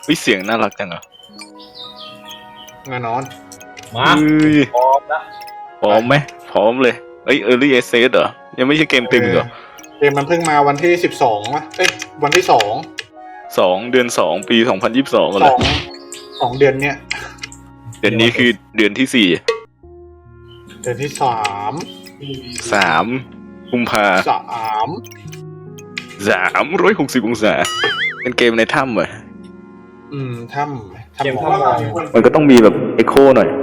เสียงน่ารักจังอ่ะแน่นอนมาพร้อมละพร้อมไหมพร้อมเลยEarly Access เหรอยังไม่ใช่เกมตึงเหรอเกมมันเพิ่งมาวันที่12วะวันที่ 2เดือน2ปี2022เหรอ 2เดือนเนี้ยเดือนนี้คือเดือนที่เดือนที่ 3กุมภา360องศาเป็นเกมในถ้ำเหรอถ้ำมันก็ต้องมีแบบเอ็กโคหน่อย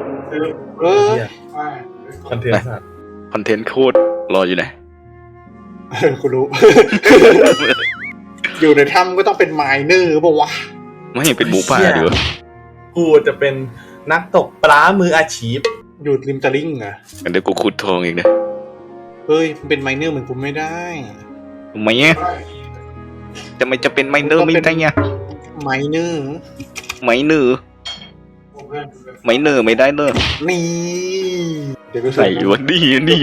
คอนเทนต์โคตรรออยู่ไหนกูรู้ อยู่ในถ้ำก็ต้องเป็นไมเนอร์ป่าววะไม่เห็นเป็นหมูป่าดีวะกูจะเป็นนักตกปลามืออาชีพอยู่ริมตะลิ่งอ่ะเดี๋ยวกูขุดทองอีกนะเฮ้ยเป็นไมเนอร์เหมือนกูไม่ได้ทำไมเนี่ยจะเป็นไมเนอร์ไม่ได้เนี่ยไมเนอร์ไม่ได้เนอะนี่เดี๋ยวก็ใส่วันนี้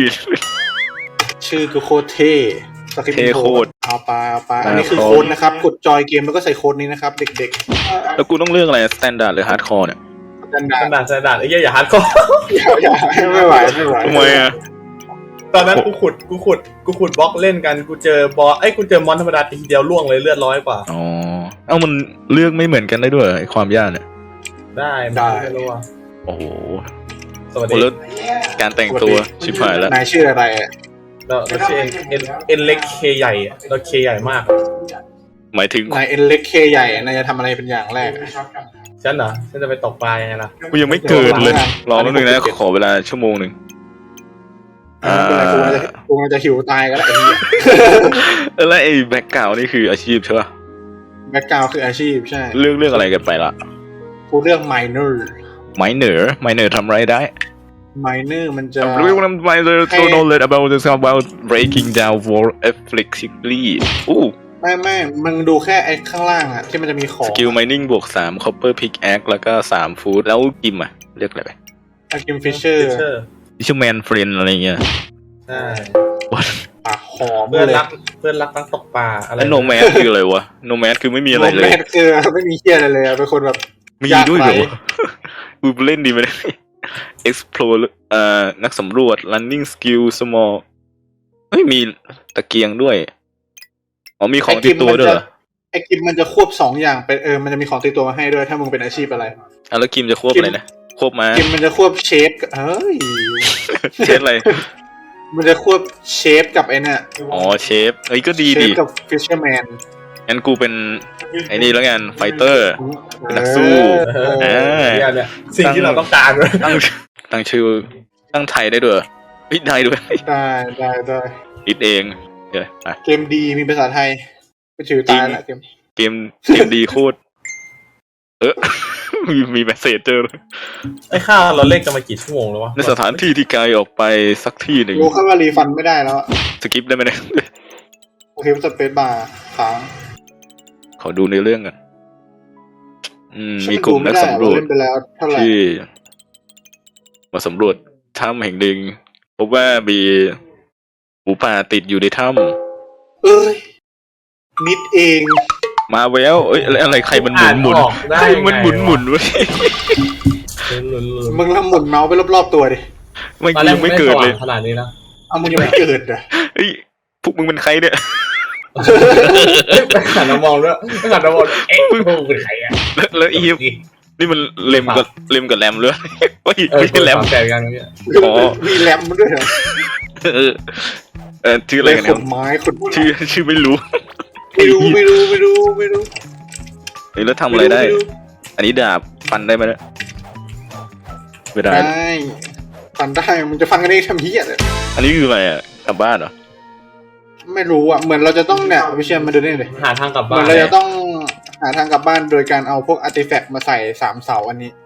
ชื่อก็โคตรเท่เท่โคตรเอาไปอันนี้คือโค้ดนะครับกดจอยเกมแล้วก็ใส่โค้ดนี้นะครับเด็กๆแล้วกูต้องเลือกอะไรสแตนดาร์ดหรือฮาร์ดคอร์เนี่ยสแตนดาร์ดไอ้เหี้ยอย่าฮาร์ดคอร์อย่าไม่ไหวทำไมอ่ะตอนนั้นกูขุดบล็อกเล่นกันกูเจอบอสกูเจอมอนธรรมดาทีเดียวล่วงเลยเลือด100กว่าอ๋อมันเลือกไม่เหมือนกันได้ด้วยไอ้ความยากเนี่ยได้ไม่รู้อ่ะโอ้โหสวัสดีการแต่งตัวชิบหายแล้วนายชื่ออะไรเราชื่อเอ็นเล็กเคใหญ่เราเคใหญ่มากหมายถึงนายเอ็นเล็กเคใหญ่นายจะทำอะไรเป็นอย่างแรกฉันเหรอฉันจะไปตกปลายังไงล่ะกูยังไม่เกิดเลยรอแป๊บนึงนะขอเวลาชั่วโมงนึงกูจะหิวตายก็แล้วแล้วไอ้แบ็คกราวด์นี่คืออาชีพใช่ป่ะแบ็คกราวด์คืออาชีพใช่เรื่องอะไรกันไปละกูเลือกไมเนอร์ทำไรได้ไมเนอร์มันจะรู้ว่าไมเนอร์ตัว knowledge about breaking down war effectively ไม่มันดูแค่ไอ้ข้างล่างอะที่มันจะมีของสกิล mining บวก3 copper pickaxe แล้วก็3 food แล้วกิมอะเรียกอะไรไปกิมฟิชเชอร์ fisherman friend อะไรเงี้ยใช่ปากหอมเพื่อนรักนักตกปลาอะไรโนแมสคืออะไรวะโนแมสคือไม่มีอะไรเลยโนแมสคือไม่มีเหี้ยอะไรเลยเป็นคนแบบมีด้วยเหรอกูเล่นดีไหมexplore นักสำรวจ running skill small ไม่มีตะเกียงด้วยมีของติดตัวด้วยเหรอไอ้กิมมันจะควบ2อย่างเป็นมันจะมีของติดตัวมาให้ด้วยถ้ามึงเป็นอาชีพอะไรแล้วกิมจะควบอะไรนะควบมากิมมันจะควบเชฟเชฟอะไรมันจะควบเชฟกับไอ้เนี่ยเชฟก็ดีเชฟกับฟิชเชอร์แมนงั้นกูเป็นไอ้นี่แล้วกันไฟเตอร์เป็นนักสู้เนี่ยสิ่งที่เราต้องการเลยตั้งชื่อตั้งไทยได้ด้วยได้ด้วยได้คิดเองเกมดีมีภาษาไทยก็ชื่อตายละเกมดีโคตรมีเมสเซจเจอไอ้ข้าเราเล่นกันมากี่ชั่วโมงแล้ววะในสถานที่ที่ไกลออกไปสักที่หนึ่งรู้แค่ว่ารีฟันไม่ได้แล้วสกิปได้ไหมเนี่ยโอเคสเปซบาร์ค้างขอดูในเรื่องกันมีกลุ่มนักสำรวจที่มาสำรวจถ้ำแห่งหนึ่งพบว่ามีหมูป่าติดอยู่ในถ้ำนิดเองมาแววอะไรใครมันหมุนใครมันหมุนเว้ยมึงละหมุนเมาส์ไปรอบๆตัวดิไม่เกิดเลยขนาดนี้แล้วมึงยังไม่เกิดอ่ะพวกมึงเป็นใครเนี่ยหันมามองด้วยหันมามองมึงเป็นใครอ่ะแล้วอีนี่มันเล็มกับแรมเลยไม่ใช่แรมแต่กันเนี่ยมีแรมด้วยเหรอชื่ออะไรกันเนี่ยชื่อไม่รู้แล้วทำอะไรได้อันนี้ดาบฟันได้ไหมเนี่ยไม่ได้ฟันได้มันจะฟันกันได้ทำเหี้ยเลยอันนี้คืออะไรอ่ะกลับบ้านเหรอไม่รู้อ่ะเหมือนเราจะต้องเนี่ยวิเชียรมาดูนี่เลยหาทางกลับบ้านเหมือนเราจะต้องหาทางกลับบ้านโดยการเอาพวกอาร์ติแฟกต์มาใส่3เสาอันนี้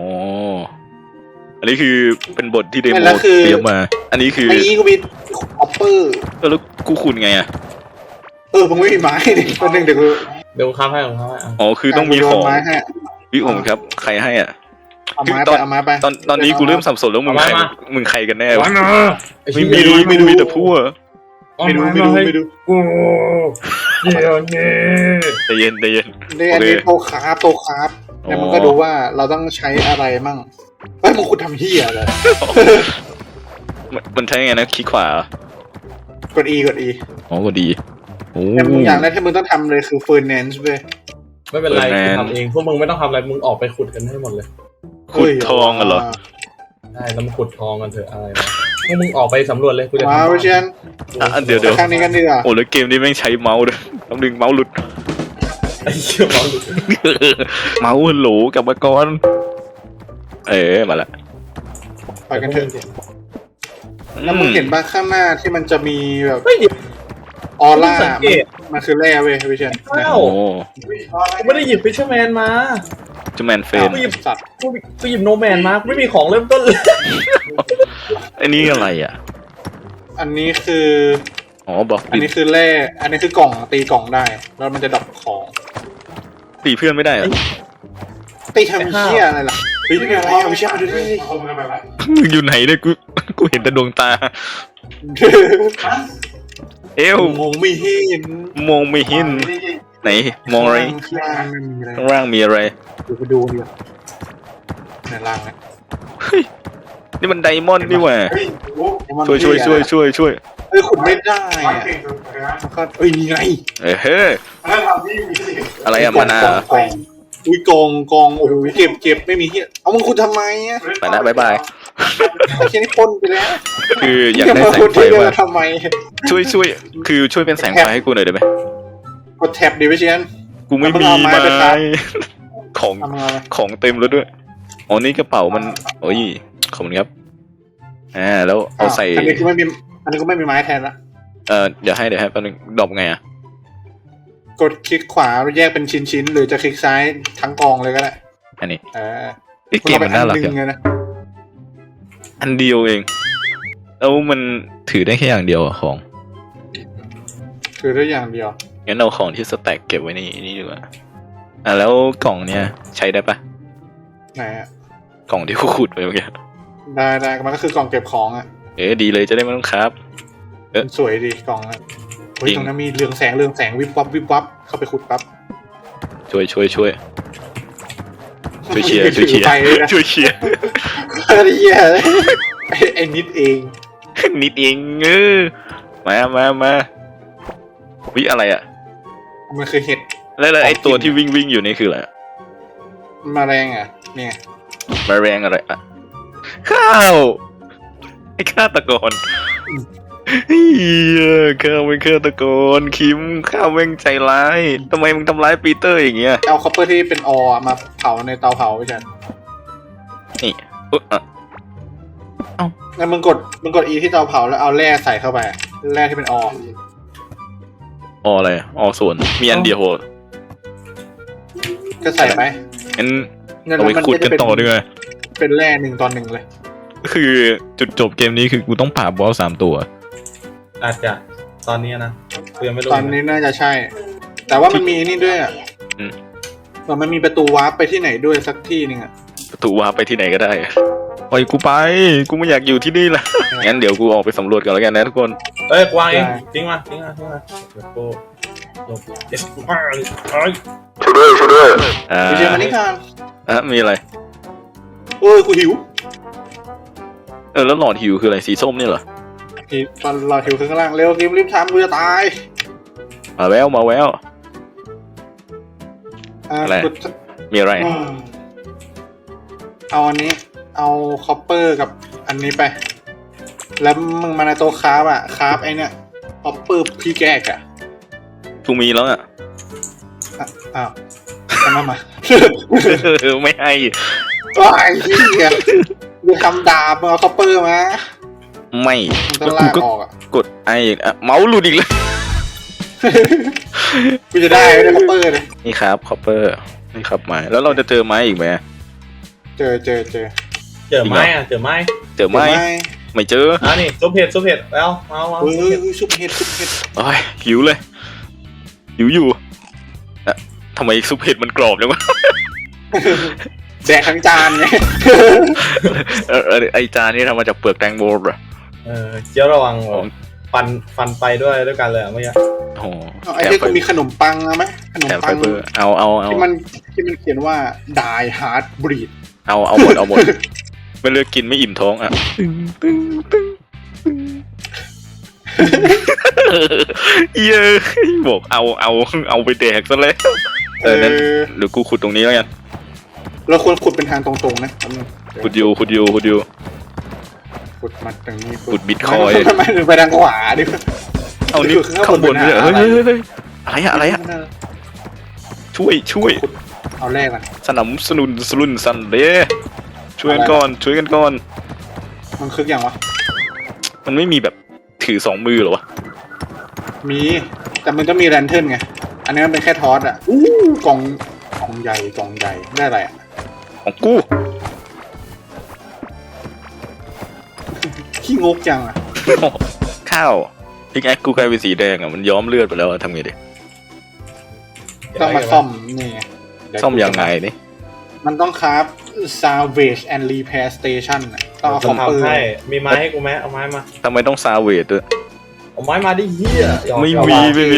อันนี้คือเป็นบทที่เดโมเตรียมมาอันนี้คือกูมีออปเปอร์แล้วกูขุดไงอ่ะมึงไม่มีไม้ดิคนหนึ่งเดี๋ยวค้าให้คือต้องมีของวิผมครับใครให้อ่ะเอาไม้ไปตอนนี้กูเริ่มสับสนแล้วมึงใครกันแน่วะไม่รู้แต่พูดไม่ดูกูเดี๋ยวนี้ใจเย็นใจเย็นเนี่ยอันนี้โตคราฟเนี่ยมันก็ดูว่าเราต้องใช้อะไรมั่งเฮ้ยมึงคุณทำเหี้ยเลยมันใช้ไงนะคลิกขวากด E อ๋อก็ดีโอ้แต่มึงอย่างแรกที่มึงต้องทำเลยคือ Furnace เว้ยไม่เป็นไรกูทำเองพวกมึงไม่ต้องทำอะไรมึงออกไปขุดกันให้หมดเลยขุดทองกันเหรอได้แล้วมาขุดทองกันเถอะอะไรนะพวกมึงออกไปสำรวจเลยกูจะมาทำวิเชียนเดี๋ยวครั้งนี้กันดีกว่าโอ้แล้วเกมนี้แม่งใช้เมาส์ด้วยต้องดึงเมาส์หลุดไอ้เหี้ยบอลเมาส์โหลกลับมาก่อนมาละไปกันเถอะแล้วมึงเห็นบ้างข้างหน้าที่มันจะมีแบบเฮ้ยเดี๋ยวออร่าสังเกตมันคือแร่เว้ยวิเชียนข้าโอ้กูไม่ได้หยิบฟิชเชอร์แมนมาจูแมนเฟนกูหยิบสัตว์กูหยิบโนแมนมากูไม่มีของเริ่มต้นเลยอันนี้อะไรอ่ะอันนี้คืออ๋อบล็อกอันนี้คือแร่อันนี้คือกล่องตีกล่องได้ แล้วมันจะดรอปของตีเพื่อนไม่ได้เหรอตีทำเหี้ยอะไรล่ะเฮ้ยนี่อะไรอ่ะวิเชียนมาดูดิมึงอยู่ไหนเนี่ยกูเห็นแต่ดวงตา เอวมองไม่เห็นมองไม่เห็นไหนมองอะไรข้างล่างไม่มีอะไรข้างล่างมีอะไรเดี๋ยวไปดูดีกว่าในล่างนะนี่มันไดมอนด์นี่หว่ามันช่วยเฮ้ยขุดไม่ได้อ่ะมันก็เอ้ยนี่ไงเฮ้ยอะไรอะมานากองอุ้ยกองโอ้โหเก็บไม่มีเหี้ยเอามึงขุดทำไมอ่ะไปนะบ๊ายบายไอ้เหี้ยนี่พ่นไปแล้วคืออยากได้แสงไฟเดี๋ยวว่ะมาทำไมช่วยคือช่วยเป็นแสงไฟให้กูหน่อยได้ไหมกดแท็บดิวิเชียนกูไม่มีเอาไม้ไม้ไปครับของทำงานเลยของเต็มแล้วด้วยอ๋อนี่กระเป๋ามันโอ้ยขอบคุณครับแล้วเอาใส่อันนี้กูไม่มีไม้แทนละเดี๋ยวให้แป๊บนึงดรอปไงอ่ะกดคลิกขวาแยกเป็นชิ้นๆหรือจะคลิกซ้ายทั้งกองเลยก็ได้อันนี้เออเกมมันน่ารักมึงจังเอไปอันหนึ่งเลยนะอันเดียวเองแล้วมันถือได้แค่อย่างเดียวอะของคือได้อย่างเดียวงั้นเอาของที่สแต็กเก็บไว้นี่ดีกว่าแล้วกล่องเนี่ยใช้ได้ปะไหนอ่ะกล่องที่กูขุดไปเมื่อกี้ได้มันก็คือกล่องเก็บของอ่ะดีเลยจะได้ไม่ต้องครับมันสวยดีกล่องอ่ะเฮ้ยจริงตรงนั้นมีเรืองแสงวิบวับเข้าไปขุดปั๊บช่วยเชียร์ไปเลยนะช่วยเชียร์เฮียไอ้นิดเองนิดเองมาวิอะไรอ่ะมันคือเห็ดแล้วไอ้ตัวที่วิ่งอยู่นี่คืออะไรแมาแรงอ่ะเนี่ยมาแรงอะไรอ่ะข้าวไอ้ฆาตกรเฮียข้าวเป็นฆาตกรคิมข้าวแม่งใจร้ายทำไมมึงทำร้ายปีเตอร์อย่างเงี้ยเอาคอปเปอร์ที่เป็นออมาเผาในเตาเผาไปฉันนี่อ่ะแล้วมึงกด E ที่เตาเผาแล้วเอาแร่ใส่เข้าไปแร่ที่เป็นออะไรส่วนมีอันเดียวก็ใส่ไปงั้นนั่นเอาไปมันขุดก็กัจะนต่อด้วยเป็นแร่1 ต่อ 1เลยคือจุดจบเกมนี้คือกูต้องผ่าบอส3 ตัวอาจจะตอนนี้นะกูยังไม่รู้ตอนนี้น่าจะใช่ แต่ว่ามันมีนี่ด้วยอ่ะอืมมันมีประตูวาร์ปไปที่ไหนด้วยสักที่นึงอ่ะประตูวาร์ปไปที่ไหนก็ได้ปล่อยกูไปกูไม่อยากอยู่ที่นี่ละงั้นเดี๋ยวกูออกไปสำรวจกันแล้วกันนะทุกคนเอ้ยกวางเองทิ้งมาเดี๋ยวกูลงเอสมาเอ้ยช่วยด้วยไปเจอมันนี่ค่ะมีอะไรโอ้ยกูหิวแล้วหลอดหิวคืออะไรสีส้มนี่เหรอตอนเราหิวข้างล่างเร็วกิมรีบทำกูจะตายมาแววอะไรกูมีอะไรเอาอันนี้ เอาคอปเปอร์กับอันนี้ไป แล้วมึงมาในโต๊ะคราฟอ่ะคราฟไอเนี่ยคอปเปอร์พี่แกกอ่ะกูมีแล้วอ่ะอ้าวทำไมมาไม่ให้ว้ายเฮียมึงทำดาบมึงเอาคอปเปอร์มาไม่มึงต้องลากออกอ่ะกดเมาส์หลุดอีกเลยกูจะได้ไม่ได้คอปเปอร์เลยนี่ครับคอปเปอร์นี่ครับไม้แล้วเราจะเจอไม้อีกไหมเจอเจอไม้เจอไม้เจอไม้ไม่เจอนี่ซุปเห็ดแล้วมาเฮ้ยซุปเห็ดโอ้ยหิวเลยหิวอยู่ทำไมซุปเห็ดมันกรอบจังวะแดกทั้งจานไงไอจานนี่ทำมาจากเปลือกแตงโมเหรอเจียวระวังฟันไปด้วยกันเลยเมื่อกี้โอ้โหไอ้ที่กูมีขนมปังนะไหมขนมแถมปัไฟงเบอร์เอาที่มันเขียนว่า die hard breed เอาหมดไม่เลือกกินไม่อิ่มท้องอ่ะเย้บอกเอาไปแดกซะแล้วนั้นหรือกูขุดตรงนี้แล้วกันเราควรขุดเป็นทางตรงๆนะขุดอยู่ขุดมาตรงนี้ขุดบิตคอยน์ทำไมถึงไปทางขวาดิเอานี่ข้างบนเลยเฮ้ยอะไรอะช่วยขุดเอาแรกก่อนสนับสนุนสันเดช่วยกันก่อนมันคึกอย่างวะมันไม่มีแบบถือ2 มือเหรอวะมีแต่มันต้องมีแรนเทิร์นไงอันนี้มันเป็นแค่ทอสอ่ะกล่องใหญ่ได้อะไรอ่ะของกูขี้งกจังอ่ะข้าวพิกแอคกูกลายเป็นสีแดงอ่ะมันย้อมเลือดไปแล้วทำไงดิต้องมาซ่อมนี่ไงเดี๋วซ่อมยังไงนี่มันต้องคราฟ salvage and repair station อะต้องเอาคอมเปอร์ทำให้มีไม้ให้กูไหมเอาไม้มาทำไมต้องซาเวดด้วยเอาไม้มาดิเฮียหยอกไม่หยอกมี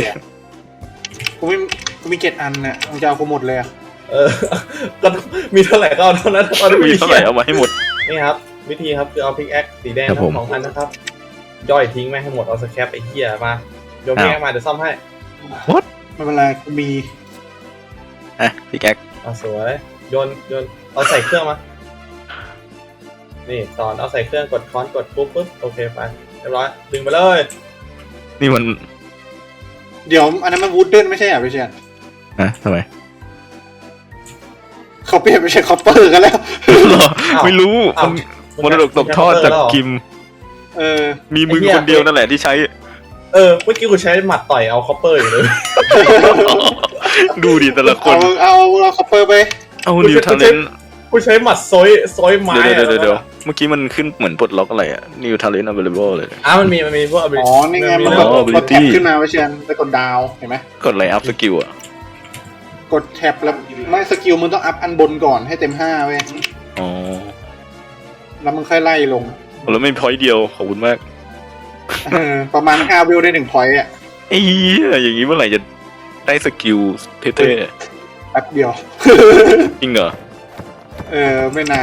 กูมี7 อันน่ะมึงจะเอากูหมดเลยอ่ะก็มีเท่าไหร่ก็เอาเท่านั้นตอนนี้มีเท่าไหร่เอามาให้หมดนี่ครับ วิธีครับคือเอาพิกแอคสีแดงครับทั้ผมง2 อันนะครับ ย่อยทิ้งแม่งให้หมดเอาสแครปไอ้เหี้ยมาโยนพิกแอคมาเดี๋ยวซ่อมให้ไม่เป็นไรกูมีอ่ะพิกแอคสวยโยนเอาใส่เครื่องมานี่สอนเอาใส่เครื่องกดค้อนกดปุ๊บโอเคไปเรียบร้อยดึงไปเลยนี่มันเดี๋ยวอันนั้นมันวูดเดิลไม่ใช่เหรอพี่เชียนนะทำไมเขาเปลี่ยนไปใช้คอปเปอร์กันแล้วไม่รู้มันมรดกตกทอดจากกิม มีมึงคนเดียวนั่นแหละที่ใช้เมื่อกี้กูใช้หมัดต่อยเอาคอปเปอร์อยู่เลยดูดิแต่ละคนเอาคอปเปอร์ไปเอานิวทาเลนกูใช้หมัดซอยไม้เดี๋ยวเมื่อกี้มันขึ้นเหมือนปลดล็อกอะไรอะ New Talent Available เลยมันมีพวกอ๋อนี่ไงมัน กดแท็บขึ้นมาพี่เชียนไปกดดาวเห็นไหมกดไลน์อัพสกิลอะกดแท็บแล้วไม่สกิลมึงต้องอัพอันบนก่อนให้เต็ม5เว้ยอ๋อแล้วมึงค่อยไล่ลงแล้วไม่พอยต์เดียวขอบคุณมากประมาณ5 วิวได้1 พอยต์อ่ะไอ้เหี้ยอย่างนี้เมื่อไหร่จะได้สกิลเท่แป๊บเดียวๆจริงเหรอไม่นาน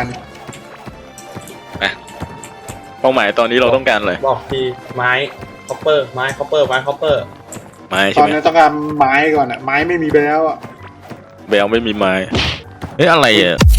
เป้าหมายตอนนี้เราต้องการอะไรบอกทีไม้คอปเปอร์ไม้คอปเปอร์ไม้ตใช่อนไหมนี้ต้องการไม้ก่อนอ่ะไม้ไม่มีไปแล้วอ่ะแบลไม่มีไม้เฮ้ยอะไรอะ